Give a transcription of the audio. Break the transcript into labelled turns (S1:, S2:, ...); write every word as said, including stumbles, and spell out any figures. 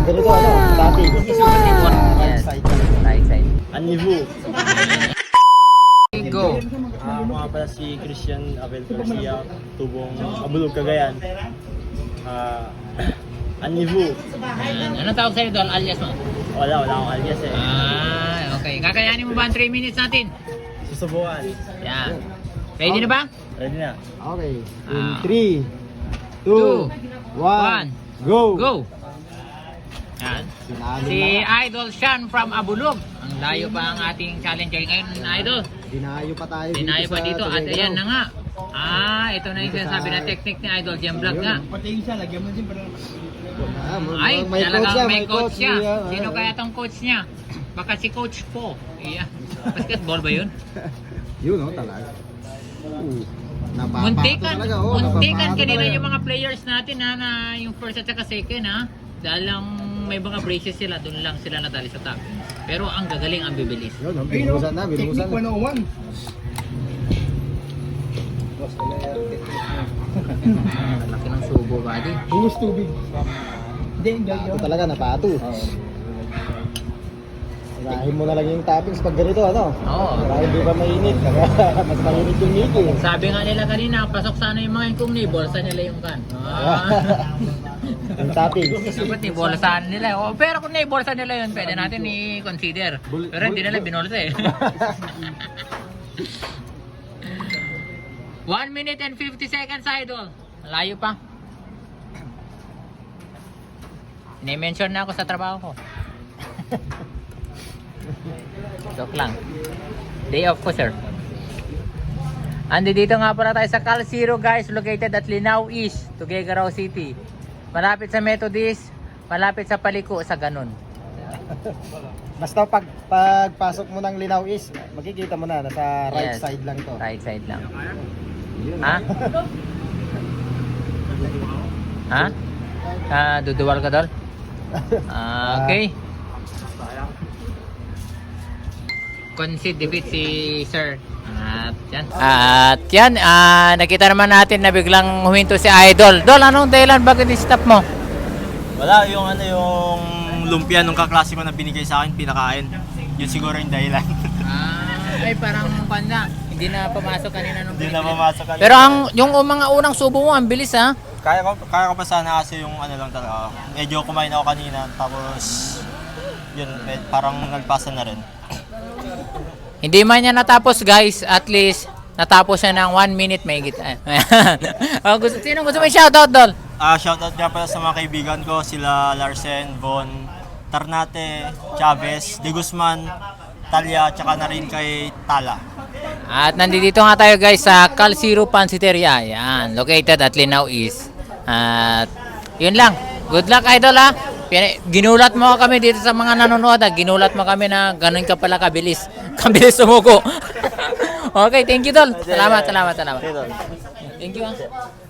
S1: ganito, ano, dati.
S2: Yes. Right side.
S3: Anivu.
S2: Go.
S3: Ah, ako nga pala si Christian Abel Garcia, tubong Abulog, Cagayan. Ah, Anivu.
S2: Ayan. Anong tawag sa'yo doon? Alias mo?
S3: Wala, wala akong alias eh.
S2: Ah, okay. Kakayanin mo ba ang three minutes natin?
S3: Susubukan.
S2: Yan. Ready na ba?
S3: Ready na.
S1: Okay. In
S2: Ah.
S1: three,
S2: Two,
S1: two, one, go!
S2: Go! Yan.
S1: Sinalo
S2: Si
S1: na.
S2: Idol Sean from Abulog. Ang layo pa ang ating challenger ngayon, Idol.
S1: Dinayo pa tayo
S2: Dinayo pa
S1: sa
S2: dito at
S1: Tuguegarao.
S2: ayan na nga. Ah, ito na yung
S1: Dito
S2: sinasabi
S1: sa-
S2: na technique ni Idol Gem Vlog nga.
S3: Patingin siya, lagyan mo din para
S1: Ah, may-
S2: Ay,
S1: may
S2: talagang
S1: coach siya,
S2: may coach siya.
S1: niya.
S2: Sino kaya tong coach niya? Baka si Coach Po. Iya. Basketball ba yun?
S1: Yun, oh, talaga. Uh, napapato
S2: Muntikan.
S1: talaga, oh,
S2: Muntikan
S1: napapato
S2: kanina
S1: talaga.
S2: yung mga players natin ha, na yung first at saka second ha. Dahil lang may mga braces sila, doon lang sila nadali sa top. Pero ang gagaling, ang bibilis.
S1: Yun, oh, binuhusan na, binuhusan na.
S3: one oh one.
S2: Laki ng subo, buddy.
S3: Buhos tubig. Hindi,
S1: Ito talaga, napato. Irahin mo na lang yung toppings pag ganito, ano?
S2: Oo.
S1: Para hindi ba mainit? Kaya mas mainit yung Mickey.
S2: Sabi nga nila kanina, pasok sana yung mga yung ni bolsa nila yung kan. Ah.
S1: Yung toppings.
S2: Dapat ni bolsa nila. Oh, pero kung ni bolsa nila yun, pwede natin i-consider.
S1: Bul-
S2: Pero hindi
S1: bul-
S2: nila
S1: bul-
S2: binolsa eh. one minute and fifty seconds, Idol. Layo pa. Ni-mention na ako sa trabaho ko. Joke lang. Day off ko, sir. Andi dito nga pala tayo sa Cal Zero, guys, located at Linao East, Tuguegarao City. Malapit sa Methodist, malapit sa Paliko, sa ganun.
S1: Basta pag pagpasok mo ng Linao East, makikita mo na, nasa right
S2: Yes.
S1: side lang to.
S2: Right side lang.
S1: Yun.
S2: Ha? Ha? Ah, duduwal ka, Dol? Ah, okay. Concede defeat si Sir. At yan. At yan, ah, nakita naman natin na biglang huminto si Idol. Dol, anong dahilan? Bakit i-stop mo?
S3: Wala, yung ano yung lumpia nung kaklase ko na binigay sa akin, pinakain. Yun siguro yung dahilan.
S2: Ah, ay parang panda. Hindi na pumasok kanina nung
S3: Hindi na
S2: binigay.
S3: pumasok kanina.
S2: Pero ang yung mga unang subo mo, ang bilis ha.
S3: Kaya ko, kaya ko pa sana kasi yung ano lang talaga. Medyo kumain ako kanina, tapos yun, med, parang nagpasa na rin.
S2: Hindi man niya natapos, guys. At least natapos siya ng one minute may gita. Oh, gusto sino gusto mo i-shoutout, Dol?
S3: Ah, shoutout nga pala sa mga kaibigan ko, sila Larsen, Von, Tarnate, Chavez, De Guzman, Talia, tsaka na rin kay Tala.
S2: At nandito nga tayo, guys, sa Cal Zero Pansiteria. Yan, located at Linao East. At yun lang. Good luck, Idol, ha. Pina- Ginulat mo kami dito sa mga nanonood, ha. Ginulat mo kami na ganun ka pala kabilis. Kabilis sumuko. Okay, thank you, Dol. Salamat, salamat, salamat.
S3: Okay, Tol.
S2: Thank you, ha.